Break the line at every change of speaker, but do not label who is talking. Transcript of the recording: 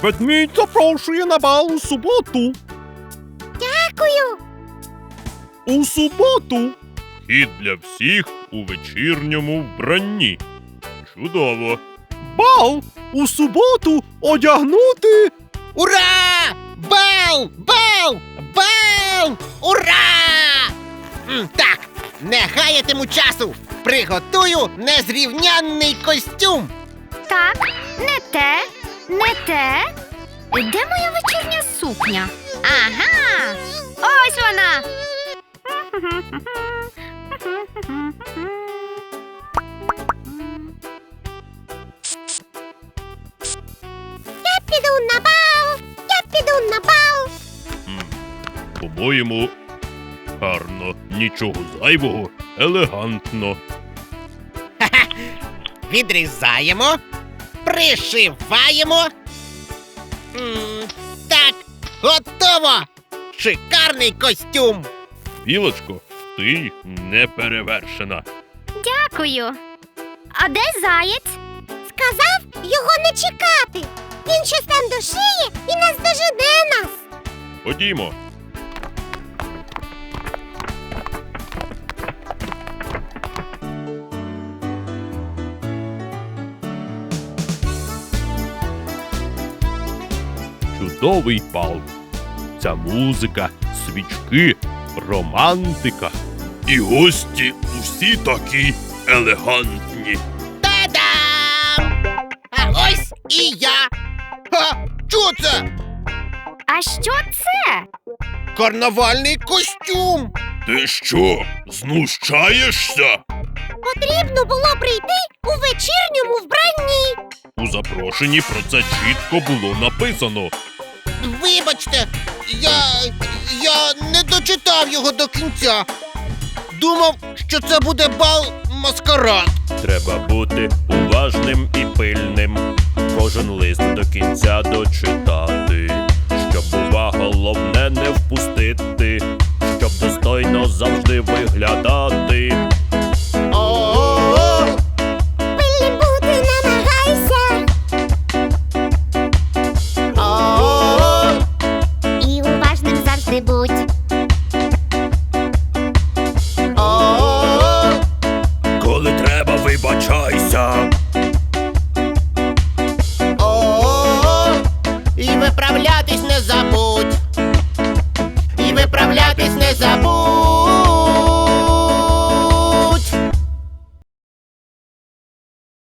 Ведмідь запрошує на бал у суботу.
Дякую.
У суботу. І для всіх у вечірньому вбранні. Чудово. Бал у суботу одягнути.
Ура! Бал! Бал! Бал! Ура! Так, не гаятиму часу. Приготую незрівнянний костюм.
Так, не те, не те. Де моя вечірня сукня? Ага! Ось вона! Я піду на бал! Я піду на бал!
По-моєму, гарно. Нічого зайвого, елегантно.
Відрізаємо, пришиваємо. Так, готово! Шикарний костюм!
Білочко, ти неперевершена.
Дякую. А де заєць? Сказав його не чекати. Він щось там дошиє і наздожене нас.
Ходімо. Чудовий бал. Ця музика, свічки, романтика. І гості усі такі елегантні.
Та-дам! А ось і я! Ха! Що це?
А що це?
Карнавальний костюм!
Ти що, знущаєшся?
Потрібно було прийти у вечірньому вбранні.
У запрошенні про це чітко було написано.
Вибачте, я не дочитав його до кінця. Думав, що це буде бал-маскарад.
Треба бути уважним і пильним, кожен лист до кінця дочитати, щоб увага головне не впустити, щоб достойно завжди виглядати.
О-о-о!
Пильним бути намагайся.
О-о-о!
І уважним завжди будь.
О-о-о!
Коли треба, вибачайся.
О-о-о! І виправлятись не забудь. І виправлятись не забудь.